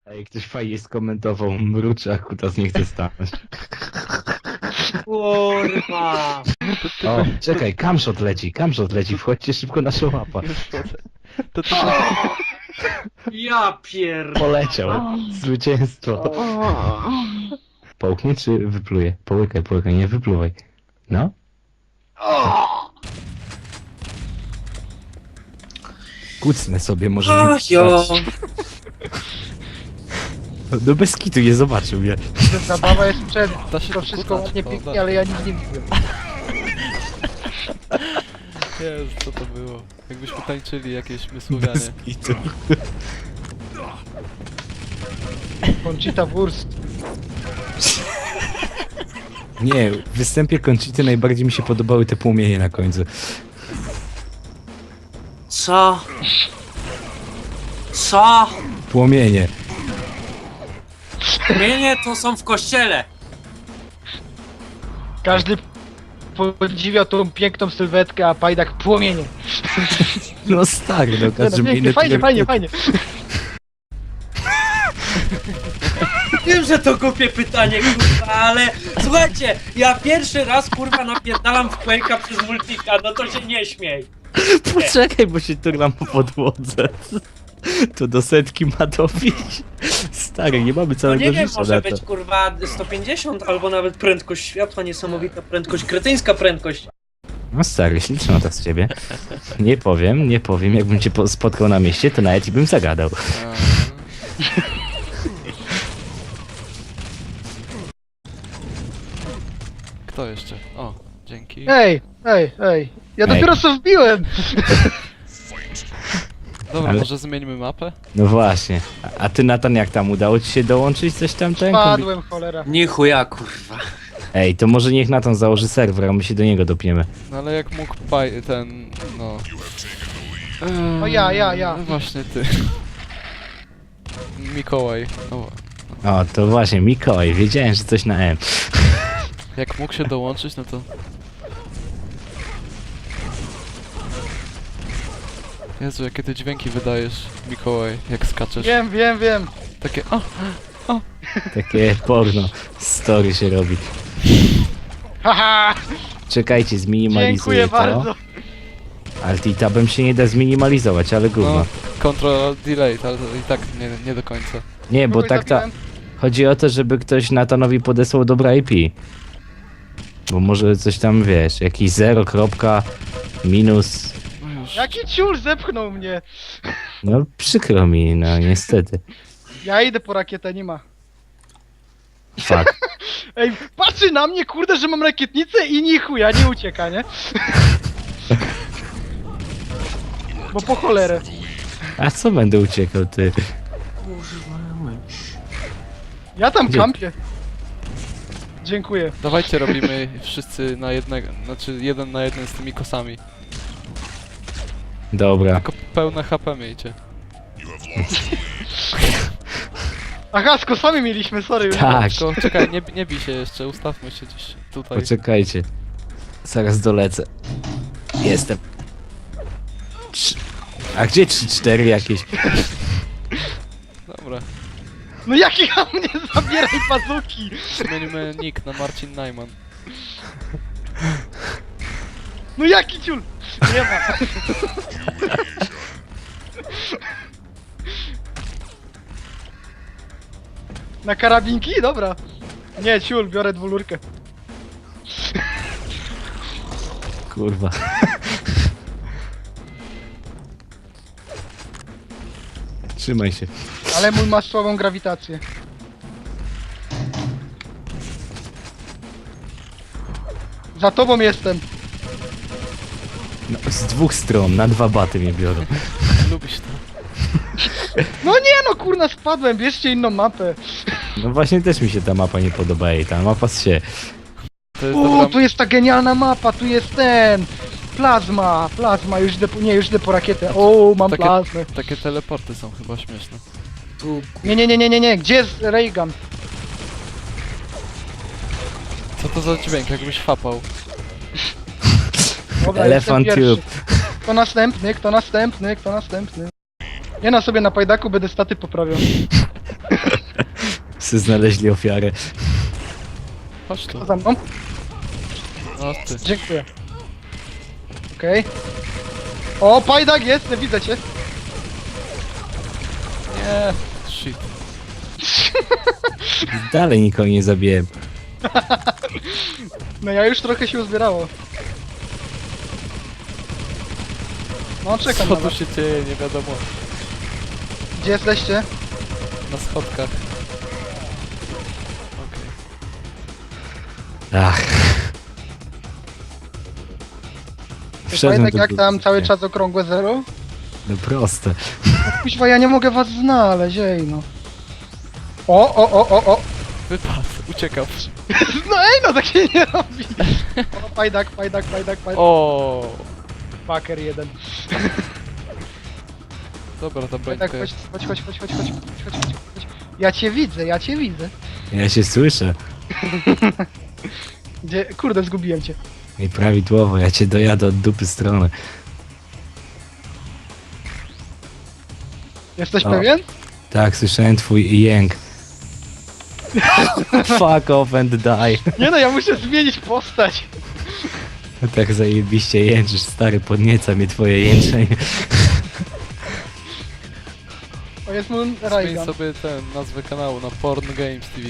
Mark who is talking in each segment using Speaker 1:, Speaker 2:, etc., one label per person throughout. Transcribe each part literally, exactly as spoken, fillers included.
Speaker 1: Ej, ktoś fajnie skomentował, mruczy, a kutas nie chce stanąć.
Speaker 2: Kurwa!
Speaker 1: O, czekaj, camshot leci, camshot leci, wchodźcie szybko na szłapa.
Speaker 3: Już wchodzę. To ty...
Speaker 2: Ja pier...
Speaker 1: Poleciał, zwycięstwo. Połknie czy wypluje? Połykaj, połykaj, nie wypluwaj. No? Kucnę sobie, może... mi-
Speaker 2: Ach, jo!
Speaker 1: No bez kitu, nie zobaczył mnie.
Speaker 4: Zabawa jest przed.
Speaker 3: Da się
Speaker 4: To
Speaker 3: tu
Speaker 4: wszystko
Speaker 3: kutać,
Speaker 4: ładnie,
Speaker 3: to
Speaker 4: pięknie,
Speaker 3: da.
Speaker 4: ale ja nic nie widzę.
Speaker 3: Jezu, co to było? Jakbyśmy tańczyli jakieś mysłowianie.
Speaker 1: Bez kitu.
Speaker 4: Conchita Wurst.
Speaker 1: Nie, w występie Conchity najbardziej mi się podobały te płomienie na końcu.
Speaker 2: Co? Co?
Speaker 1: Płomienie.
Speaker 2: Mienie to są w kościele!
Speaker 4: Każdy podziwia tą piękną sylwetkę, a Pajdak płomienie.
Speaker 1: No stary, no
Speaker 4: Nie,
Speaker 1: każdy
Speaker 4: no,
Speaker 1: ma
Speaker 4: pięknie,
Speaker 1: inny
Speaker 4: fajnie, fajnie,
Speaker 1: priorytet.
Speaker 4: fajnie.
Speaker 2: Wiem, że to głupie pytanie, kurwa, ale słuchajcie, ja pierwszy raz, kurwa, napierdalam w Quake'a przez multika, no to się nie śmiej.
Speaker 1: Poczekaj, bo się turlam po podłodze. To do setki ma dobić. Stary, nie mamy
Speaker 2: No
Speaker 1: całego
Speaker 2: nie wiem,
Speaker 1: życia
Speaker 2: może
Speaker 1: na to.
Speaker 2: być, kurwa, sto pięćdziesiąt albo nawet prędkość światła, niesamowita prędkość, kretyńska prędkość.
Speaker 1: No stary, śliczna to z ciebie. Nie powiem, nie powiem. Jakbym cię po- spotkał na mieście, to nawet i bym zagadał.
Speaker 3: Eee. Kto jeszcze? O, dzięki.
Speaker 4: Ej, ej, ej. Ja
Speaker 1: Ej.
Speaker 4: dopiero co wbiłem.
Speaker 3: Dobra,
Speaker 1: ale-
Speaker 3: może zmieńmy mapę?
Speaker 1: No właśnie. A, a ty, Natan, jak tam? Udało ci się dołączyć coś tam? Ten? Kombi-
Speaker 4: Padłem, cholera.
Speaker 2: Nie chuja, kurwa.
Speaker 1: Ej, to może niech Natan założy serwer, a my się do niego dopiemy.
Speaker 3: No ale jak mógł paj... ten... no... Eee,
Speaker 4: No ja, ja, ja.
Speaker 3: No właśnie ty. Mikołaj. No,
Speaker 1: O, to właśnie, Mikołaj, wiedziałem, że coś na M.
Speaker 3: jak mógł się dołączyć, no to... Jezu, jakie ty dźwięki wydajesz, Mikołaj, jak skaczesz.
Speaker 4: Wiem, wiem, wiem.
Speaker 3: Takie... O!
Speaker 1: Takie porno story się robi.
Speaker 4: Haha,
Speaker 1: Czekajcie, zminimalizuję
Speaker 4: dziękuję
Speaker 1: to.
Speaker 4: bardzo.
Speaker 1: Alt i tabem się nie da zminimalizować, ale gówno.
Speaker 3: No, control delete, ale to i tak nie, nie do końca.
Speaker 1: Nie, bo
Speaker 4: Kogoś
Speaker 1: tak ta...
Speaker 4: zabiłem?
Speaker 1: Chodzi o to, żeby ktoś Natanowi podesłał dobre I P. Bo może coś tam, wiesz, jakiś zero, kropka, minus...
Speaker 3: No już.
Speaker 4: Jaki ciul zepchnął mnie.
Speaker 1: No przykro mi, no niestety.
Speaker 4: Ja idę po rakietę, nie ma.
Speaker 1: Fuck.
Speaker 4: Ej, patrzy na mnie, kurde, że mam rakietnicę i ni chuja, nie ucieka, nie? Bo po cholerę.
Speaker 1: A co będę uciekał, ty?
Speaker 4: Ja tam
Speaker 1: Gdzie?
Speaker 4: kampię. Dziękuję.
Speaker 3: Dawajcie robimy wszyscy na jednego, znaczy jeden na jeden z tymi kosami.
Speaker 1: Dobra.
Speaker 3: Tylko pełne H P miejcie.
Speaker 4: Aha, z kosami mieliśmy, sorry. już.
Speaker 1: Tak,
Speaker 3: Tylko czekaj, nie, nie bij się jeszcze, ustawmy się gdzieś tutaj.
Speaker 1: poczekajcie. Zaraz dolecę. Jestem. Trz- A gdzie trzy cztery jakieś?
Speaker 3: Dobra,
Speaker 4: No jaki ja mnie zabieraj bazuki.
Speaker 3: zmienimy nick na Marcin Najman.
Speaker 4: No jaki ciul. Nie ma. Na karabinki? Dobra. Nie, ciul, biorę dwulurkę.
Speaker 1: Kurwa. Trzymaj się.
Speaker 4: Ale mój ma słabą grawitację. Za tobą jestem.
Speaker 1: No, z dwóch stron, na dwa baty mnie biorą.
Speaker 3: Lubisz to.
Speaker 4: No nie no, kurna, spadłem, bierzcie inną mapę.
Speaker 1: No właśnie też mi się ta mapa nie podoba i ta mapa się.
Speaker 3: To jest
Speaker 4: O,
Speaker 3: dobra...
Speaker 4: tu jest ta genialna mapa, tu jest ten. Plazma, plazma, już idę po, nie, już idę po rakietę. O, mam
Speaker 3: Takie-
Speaker 4: plazmę.
Speaker 3: Takie teleporty są chyba śmieszne.
Speaker 2: Tu,
Speaker 4: Nie, nie, nie, nie, nie, nie, gdzie jest Reagan?
Speaker 3: Co to za dźwięk, jakbyś fapał?
Speaker 4: Dobra,
Speaker 1: Elephant
Speaker 4: jestem pierwszy.
Speaker 1: Tube.
Speaker 4: Kto następny, kto następny, kto następny? Ja na sobie na pajdaku będę staty poprawiał.
Speaker 1: Wszyscy znaleźli ofiarę.
Speaker 3: Chodź tu.
Speaker 4: To za mną.
Speaker 3: No ty.
Speaker 4: Dziękuję. Okej. O, Pajdak jest, widzę cię.
Speaker 3: Nie. Shit.
Speaker 1: Dalej nikogo nie zabiłem.
Speaker 4: No ja już trochę się uzbierało. No czekam
Speaker 3: Co
Speaker 4: na
Speaker 3: tu
Speaker 4: was.
Speaker 3: się dzieje, nie wiadomo.
Speaker 4: Gdzie jesteście?
Speaker 3: Na schodkach. Okej.
Speaker 1: Ach. Wszedłem
Speaker 4: Pajdak,
Speaker 1: tu
Speaker 4: jak
Speaker 1: do-
Speaker 4: tam cały czas okrągłe zero?
Speaker 1: No proste.
Speaker 4: Kuźwa, ja nie mogę was znaleźć, ej no. O, o, o, o, o.
Speaker 3: Wypadł, uciekał.
Speaker 4: No ej, no tak się nie robi. O, Pajdak, Pajdak, Pajdak, Pajdak.
Speaker 3: O,
Speaker 4: Fucker jeden.
Speaker 3: dobra, ta
Speaker 4: Pajdak,
Speaker 3: brońka.
Speaker 4: chodź, chodź, chodź, chodź, chodź, chodź, chodź, chodź, chodź. Ja cię widzę, ja cię widzę.
Speaker 1: Ja się słyszę.
Speaker 4: Gdzie, kurde, zgubiłem cię.
Speaker 1: I prawidłowo, ja cię dojadę od dupy strony.
Speaker 4: Jesteś
Speaker 1: O.
Speaker 4: pewien?
Speaker 1: Tak, słyszałem twój jęk. Fuck off and die.
Speaker 4: Nie no, ja muszę zmienić postać.
Speaker 1: Tak zajebiście jęczysz, stary, podnieca mnie twoje jęczenie.
Speaker 4: O, jest mu
Speaker 3: Zmień
Speaker 4: Raygun.
Speaker 3: sobie ten, nazwę kanału na Porn Games T V.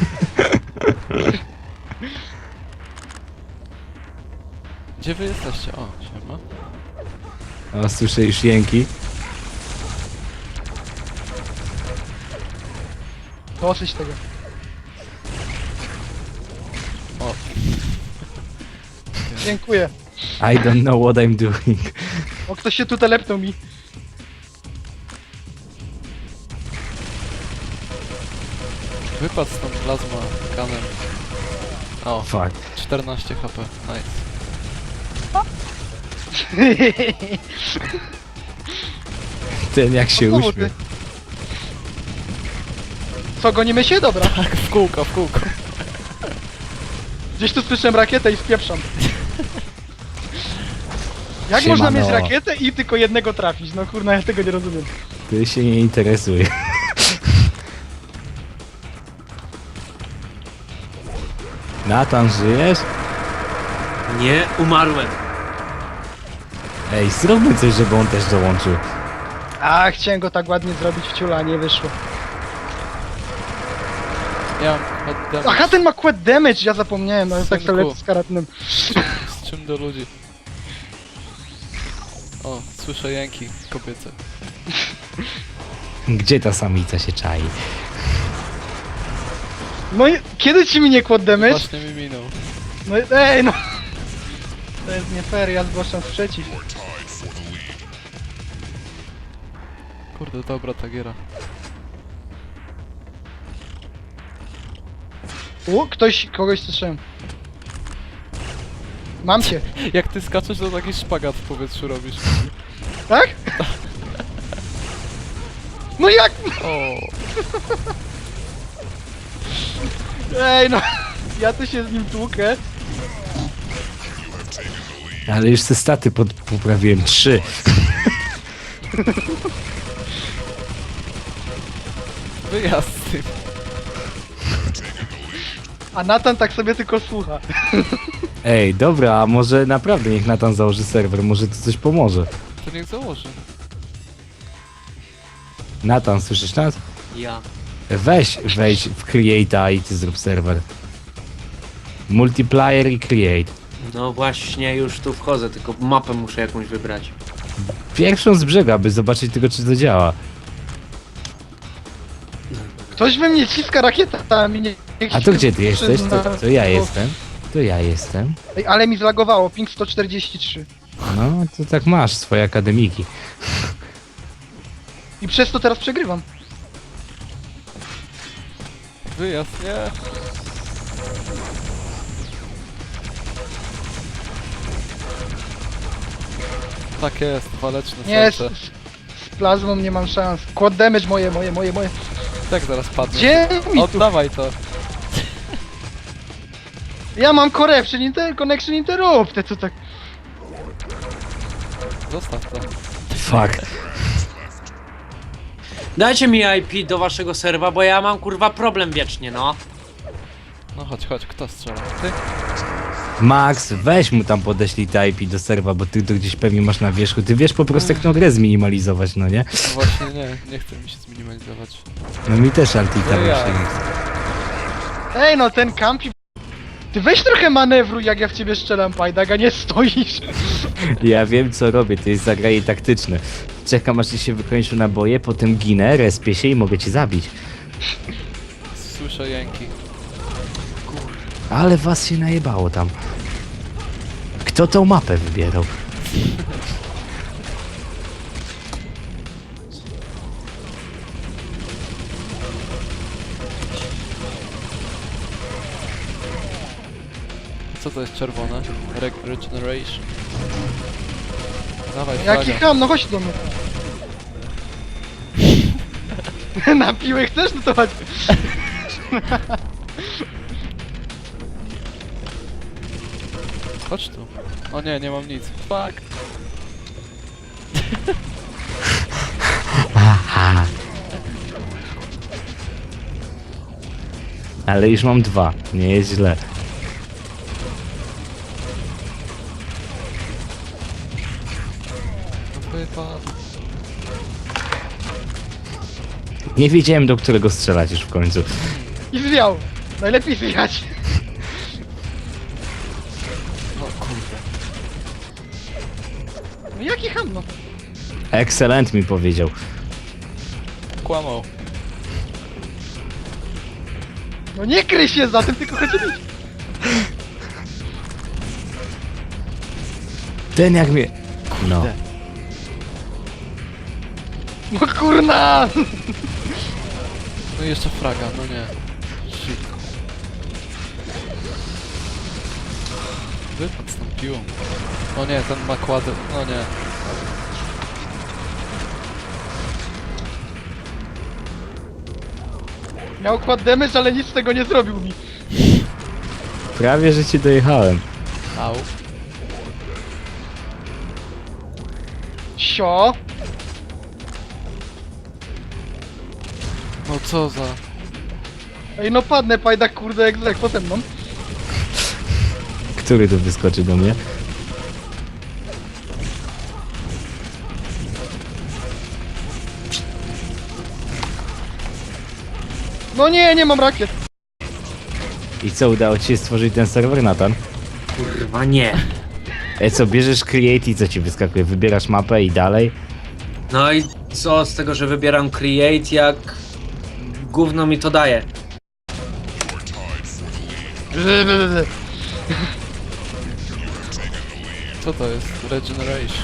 Speaker 3: Gdzie wy jesteście? O, siema.
Speaker 1: O, słyszę już jęki.
Speaker 4: Dosyć tego.
Speaker 3: O,
Speaker 4: Dziękuję.
Speaker 1: I don't know what I'm doing.
Speaker 4: O, ktoś się tu telepnął mi.
Speaker 3: wypadł stąd plazma kanem. O,
Speaker 1: Fuck.
Speaker 3: czternaście H P, nice.
Speaker 1: Ten jak się
Speaker 4: O, znowu
Speaker 1: uśmiał.
Speaker 4: ty. Co, gonimy się? Dobra.
Speaker 3: Tak, w kółko, w kółko.
Speaker 4: Gdzieś tu słyszę rakietę i spieprzam. Jak
Speaker 1: Siemano.
Speaker 4: można mieć rakietę i tylko jednego trafić? No kurna, ja tego nie rozumiem.
Speaker 1: Ty się nie interesuje. Natan, żyjesz?
Speaker 2: Nie, umarłem.
Speaker 1: Ej, zróbmy coś, żeby on też dołączył.
Speaker 4: A, chciałem go tak ładnie zrobić w ciula, a nie wyszło.
Speaker 3: Ja mam hot damage.
Speaker 4: Aha, ten ma quad damage, ja zapomniałem, no tak
Speaker 3: Synku.
Speaker 4: sobie lecę z karatnym.
Speaker 3: Z czym do ludzi? O, słyszę jęki kobiece.
Speaker 1: Gdzie ta samica się czai?
Speaker 4: No i kiedy ci minie quad damage?
Speaker 3: Właśnie mi minął.
Speaker 4: No i- ej no. To jest nie fair, ja zgłaszam sprzeciw.
Speaker 3: Kurde, dobra ta giera.
Speaker 4: U, ktoś, kogoś słyszałem. Mam cię,
Speaker 3: Jak ty skaczesz, to taki szpagat w powietrzu robisz.
Speaker 4: tak? No jak?
Speaker 3: O,
Speaker 4: Ej no. Ja tu się z nim tłukę.
Speaker 1: Ale już te staty pod, poprawiłem. Trzy.
Speaker 3: wyjazd z tym.
Speaker 4: A Natan tak sobie tylko słucha.
Speaker 1: Ej, dobra, a może naprawdę niech Natan założy serwer, może to coś pomoże.
Speaker 3: To niech założy.
Speaker 1: Natan, słyszysz nas?
Speaker 2: Ja.
Speaker 1: Weź, wejdź w Create'a i ty zrób serwer. Multiplayer i Create.
Speaker 2: No właśnie, już tu wchodzę, tylko mapę muszę jakąś wybrać.
Speaker 1: Pierwszą z brzegu, aby zobaczyć tylko, czy to działa.
Speaker 4: Ktoś we mnie ciska rakietami, nie... niech
Speaker 1: A
Speaker 4: się
Speaker 1: to gdzie ty jesteś?
Speaker 4: przyzna.
Speaker 1: To, to ja jestem. To ja jestem.
Speaker 4: Ej, ale mi zlagowało, ping sto czterdzieści trzy.
Speaker 1: No, to tak masz swoje akademiki.
Speaker 4: I przez to teraz przegrywam.
Speaker 3: Wyjazd, nie. Tak jest, waleczne
Speaker 4: Nie, z,
Speaker 3: serce.
Speaker 4: z plazmą nie mam szans. Quad damage moje, moje, moje, moje.
Speaker 3: Tak zaraz padnie.
Speaker 4: Gdzie mi tu?
Speaker 3: Oddawaj to.
Speaker 4: Ja mam corruption, inter connection interrupted, to tak...
Speaker 3: Zostaw to.
Speaker 1: Fuck.
Speaker 2: Dajcie mi I P do waszego serwa, bo ja mam kurwa problem wiecznie, no.
Speaker 3: No chodź, chodź, kto strzela? Ty?
Speaker 1: Max, weź mu tam podeślij te I P do serwa, bo ty to gdzieś pewnie masz na wierzchu. Ty wiesz po prostu jak tą grę zminimalizować, no nie?
Speaker 3: No właśnie nie, nie chce mi się zminimalizować.
Speaker 1: No mi też Altita
Speaker 3: No ja.
Speaker 1: właśnie nie chce.
Speaker 4: Ej no, ten kampi... Ty weź trochę manewru, jak ja w ciebie strzelam, Pajdak, a nie stoisz.
Speaker 1: Ja wiem co robię, to jest zagranie taktyczne. Czekam aż ci się wykończą naboje, potem ginę, respię się i mogę cię zabić.
Speaker 3: Słyszę jęki.
Speaker 1: Ale was się najebało tam. Kto tą mapę wybierał?
Speaker 3: Co to jest czerwone? Re regeneration. Dawaj,
Speaker 4: Jaki
Speaker 3: flaga.
Speaker 4: ham, no chodź do mnie. Na piłę chcesz? No to chodź.
Speaker 3: Chodź tu. O nie, nie mam nic. Fuck.
Speaker 1: Aha. Ale już mam dwa, nie jest źle.
Speaker 3: No wypadł.
Speaker 1: Nie wiedziałem do którego strzelać już w końcu.
Speaker 4: I zwiał. Najlepiej zwiać.
Speaker 3: No kurde.
Speaker 4: No jaki ham, no.
Speaker 1: Excellent mi powiedział.
Speaker 3: Kłamał.
Speaker 4: No nie kryj się za tym, tylko chodź bić.
Speaker 1: Ten jak mnie... No.
Speaker 4: No kurna!
Speaker 3: No i jeszcze fraga, no nie. Shit. Wypadł z tą piłą. O nie, ten ma kładę. No nie.
Speaker 4: Miał kład damage, ale nic z tego nie zrobił mi.
Speaker 1: Prawie, że ci dojechałem.
Speaker 3: Au.
Speaker 4: Sio.
Speaker 3: No co za...
Speaker 4: Ej no padnę, Pajdak, kurde, jak zlek, potem mną.
Speaker 1: Który tu wyskoczy do mnie?
Speaker 4: No nie, nie mam rakiet.
Speaker 1: I co, udało ci się stworzyć ten serwer, Nathan?
Speaker 2: Kurwa nie.
Speaker 1: E co, bierzesz create i co ci wyskakuje? Wybierasz mapę i dalej?
Speaker 2: No i co z tego, że wybieram create, jak gówno mi to daje?
Speaker 3: Co to jest? Regeneration.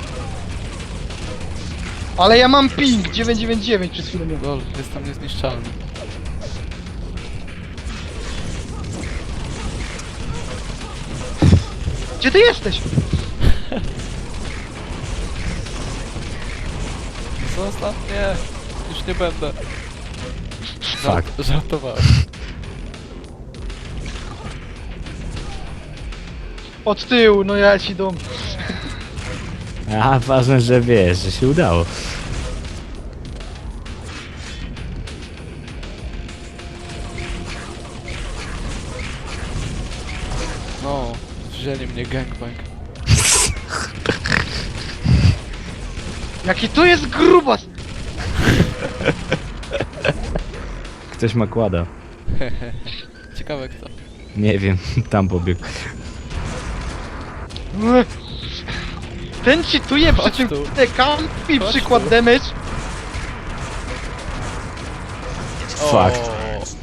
Speaker 4: Ale ja mam ping dziewięćset dziewięćdziesiąt dziewięć przez chwilę miałem.
Speaker 3: Lol, jestem niezniszczalny.
Speaker 4: Gdzie ty jesteś?
Speaker 3: Zostaw mnie! Już nie będę.
Speaker 1: Fuck.
Speaker 3: Żartowałem.
Speaker 4: Od tyłu, no ja ci dom.
Speaker 1: A, ważne, że wiesz, że się udało.
Speaker 3: No, wzięli mnie gangbang.
Speaker 4: Jaki to jest grubas!
Speaker 1: Ktoś ma kłada.
Speaker 3: Ciekawe kto.
Speaker 1: Nie wiem, tam pobiegł.
Speaker 4: Ten cheatuje, przy
Speaker 3: Chodź
Speaker 4: czym
Speaker 3: tu.
Speaker 4: te kampi
Speaker 3: Chodź
Speaker 4: przykład
Speaker 3: tu.
Speaker 4: damage.
Speaker 1: Fuck.
Speaker 3: O.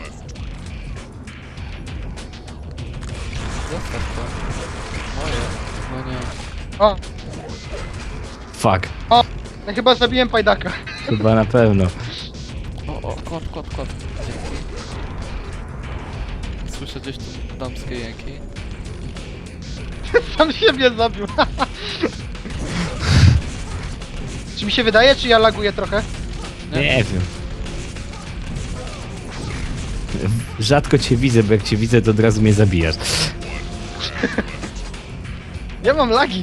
Speaker 3: Zostaw to. Moje. No nie.
Speaker 4: O,
Speaker 1: Fuck.
Speaker 4: ja chyba zabiłem Pajdaka.
Speaker 1: Chyba na pewno.
Speaker 3: O, o, kład, kład, kład. Dzięki. Słyszę gdzieś tu damskie jęki.
Speaker 4: Sam siebie zabił. Czy mi się wydaje, czy ja laguję trochę?
Speaker 3: Nie.
Speaker 1: Nie wiem. Rzadko cię widzę, bo jak cię widzę, to od razu mnie zabijasz.
Speaker 4: Ja mam lagi.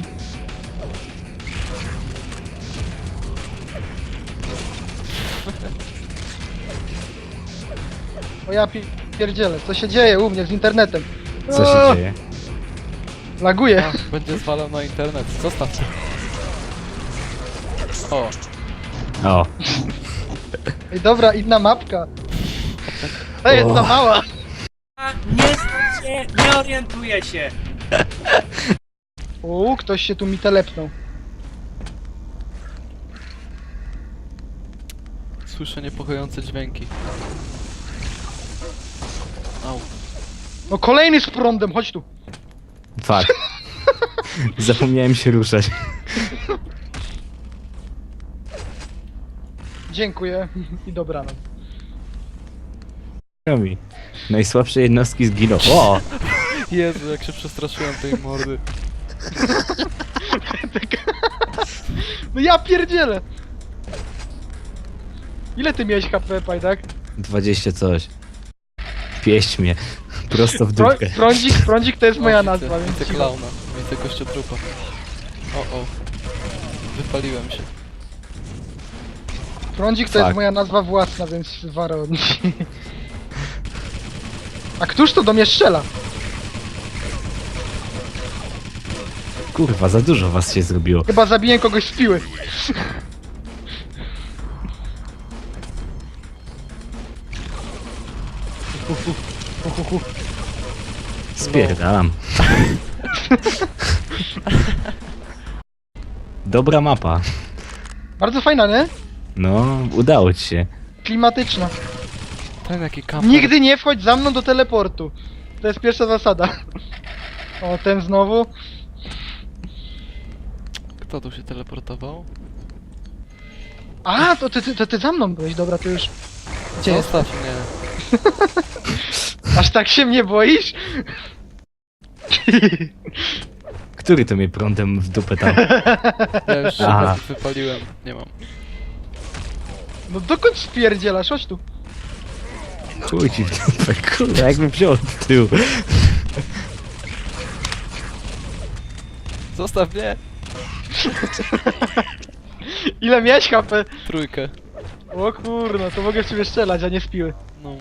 Speaker 4: O ja pi- pierdzielę, co się dzieje u mnie z internetem?
Speaker 1: Co
Speaker 4: O,
Speaker 1: się dzieje?
Speaker 4: Laguje.
Speaker 3: A, będzie zwalał na internet. Zostaw to. O,
Speaker 1: O,
Speaker 4: Ej, dobra, inna mapka. To jest za
Speaker 1: O.
Speaker 4: mała.
Speaker 2: A, nie znam się, nie orientuję się.
Speaker 4: U, ktoś się tu mi telepnął.
Speaker 3: słyszę niepokojące dźwięki. Au.
Speaker 4: No kolejny z prądem, chodź tu.
Speaker 1: fuck. Zapomniałem się ruszać.
Speaker 4: Dziękuję i dobranoc.
Speaker 1: Robi. Najsłabsze jednostki zginą. O!
Speaker 3: Jezu, jak się przestraszyłem tej mordy.
Speaker 4: No ja pierdzielę. Ile ty miałeś H P, Pajdak?
Speaker 1: dwadzieścia coś. Pieść mnie. Prosto w
Speaker 4: Pro,
Speaker 1: dupkę.
Speaker 4: prądzik, prądzik to jest moja
Speaker 3: O,
Speaker 4: nazwa,
Speaker 3: widzę,
Speaker 4: więc
Speaker 3: widzę
Speaker 4: cicho.
Speaker 3: klauna, widzę kościotrupa. O, o. Wypaliłem się.
Speaker 4: Prądzik to
Speaker 1: Fuck.
Speaker 4: jest moja nazwa własna, więc wara od niej. A któż to do mnie strzela?
Speaker 1: Kurwa, za dużo was się zrobiło.
Speaker 4: Chyba zabiję kogoś z piły.
Speaker 1: Spierdalam. Dobra mapa.
Speaker 4: Bardzo fajna, nie?
Speaker 1: No, udało ci się.
Speaker 4: Klimatyczna.
Speaker 3: Ten jaki kamper.
Speaker 4: Nigdy nie wchodź za mną do teleportu. To jest pierwsza zasada. O, ten znowu.
Speaker 3: Kto tu się teleportował?
Speaker 4: A, to ty, ty, to ty za mną byłeś, dobra, to już... Gdzie jest?
Speaker 3: Zostaw mnie.
Speaker 4: Aż tak się mnie boisz?
Speaker 1: Który to mnie prądem w dupę tam?
Speaker 3: Ja już
Speaker 1: Aha.
Speaker 3: się wypaliłem. Nie mam.
Speaker 4: No dokąd spierdzielasz? Chodź tu.
Speaker 1: Chuj ci w dupę, kurwa, jakbym wziął od tyłu.
Speaker 3: Zostaw mnie!
Speaker 4: Ile miałeś H P?
Speaker 3: Trójkę.
Speaker 4: O kurno, to mogę w ciebie strzelać, a nie z piły.
Speaker 3: No.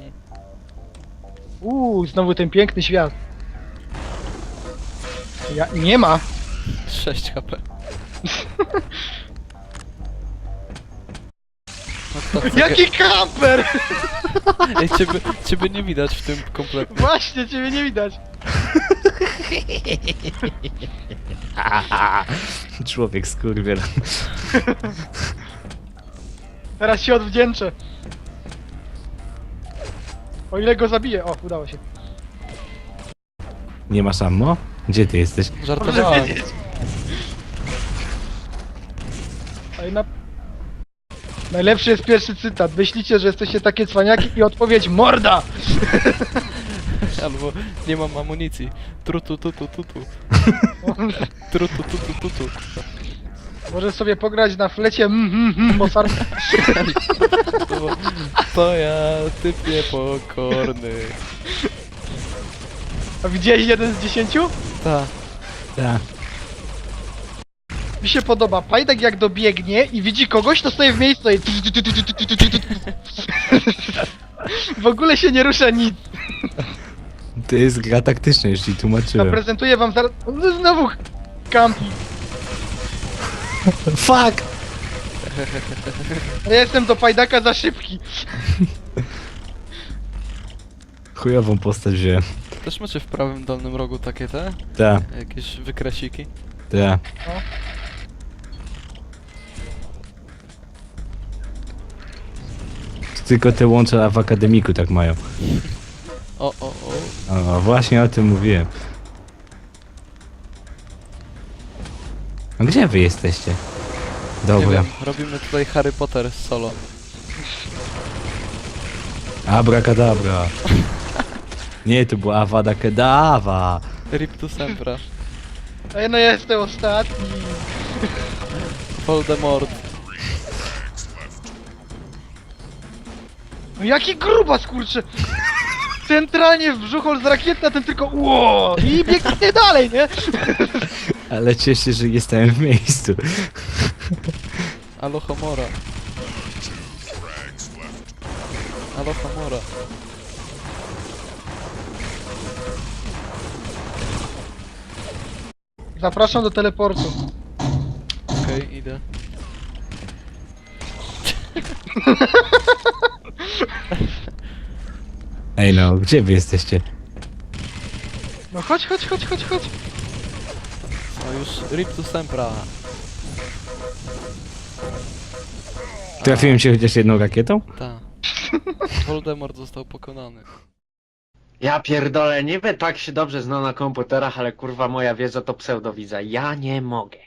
Speaker 4: Uuu, znowu ten piękny świat. Ja, nie ma.
Speaker 3: sześć H P. No to,
Speaker 4: Jaki kamper!
Speaker 3: Ej, ciebie, ciebie nie widać w tym kompletnie.
Speaker 4: Właśnie, ciebie nie widać.
Speaker 1: Człowiek skurwiel.
Speaker 4: Teraz się odwdzięczę. O ile go zabiję. O, udało się.
Speaker 1: Nie masz ammo? Gdzie ty jesteś?
Speaker 3: Żartowałem.
Speaker 4: wiedzieć. Ej, na... Najlepszy jest pierwszy cytat. Myślicie, że jesteście takie cwaniaki i odpowiedź morda!
Speaker 3: Albo nie mam amunicji. Trutu tutu tutu. Trutu tutu tutu.
Speaker 4: Możesz sobie pograć na flecie mm, mm, mm, Mozart.
Speaker 3: To, to ja, typ niepokorny.
Speaker 4: A widziałeś jeden z dziesięciu?
Speaker 3: Ta.
Speaker 1: Tak.
Speaker 4: Mi się podoba. Pajdek jak dobiegnie i widzi kogoś, to stoi w miejscu i... W ogóle się nie rusza nic.
Speaker 1: To jest gra taktyczna, już ci tłumaczyłem.
Speaker 4: Zaprezentuję wam zaraz... No, znowu kampi.
Speaker 1: Fuck!
Speaker 4: Ja jestem do Pajdaka za szybki.
Speaker 1: Chujową postać wziąłem.
Speaker 3: Też macie w prawym dolnym rogu takie te?
Speaker 1: Tak,
Speaker 3: Jakieś wykresiki?
Speaker 1: tak.
Speaker 4: No.
Speaker 1: Tylko te łącza w akademiku tak mają.
Speaker 3: O, o, o.
Speaker 1: O, właśnie o tym mówiłem. A gdzie wy jesteście?
Speaker 3: Nie
Speaker 1: Dobra.
Speaker 3: wiem, robimy tutaj Harry Potter solo.
Speaker 1: Abracadabra. Nie, to była Avada Kedavra.
Speaker 3: Rip to Sempra.
Speaker 4: Ej, no ja jestem ostatni.
Speaker 3: Voldemort.
Speaker 4: No jaki grubas, kurczę. Centralnie w brzuchol z rakietna, ten tylko ło i biegnie dalej, nie?
Speaker 1: Ale cieszę się, że nie stałem w miejscu.
Speaker 3: Alohomora. Alohomora.
Speaker 4: Zapraszam do teleportu.
Speaker 3: Okej, idę.
Speaker 1: Ej no, gdzie wy jesteście?
Speaker 4: No chodź, chodź, chodź, chodź, chodź.
Speaker 3: No już rip to sempra.
Speaker 1: Trafiłem się chociaż jedną rakietą?
Speaker 3: Ta. Voldemort został pokonany.
Speaker 2: Ja pierdolę, niby tak się dobrze zna na komputerach, ale kurwa moja wiedza to pseudowidza. Ja nie mogę.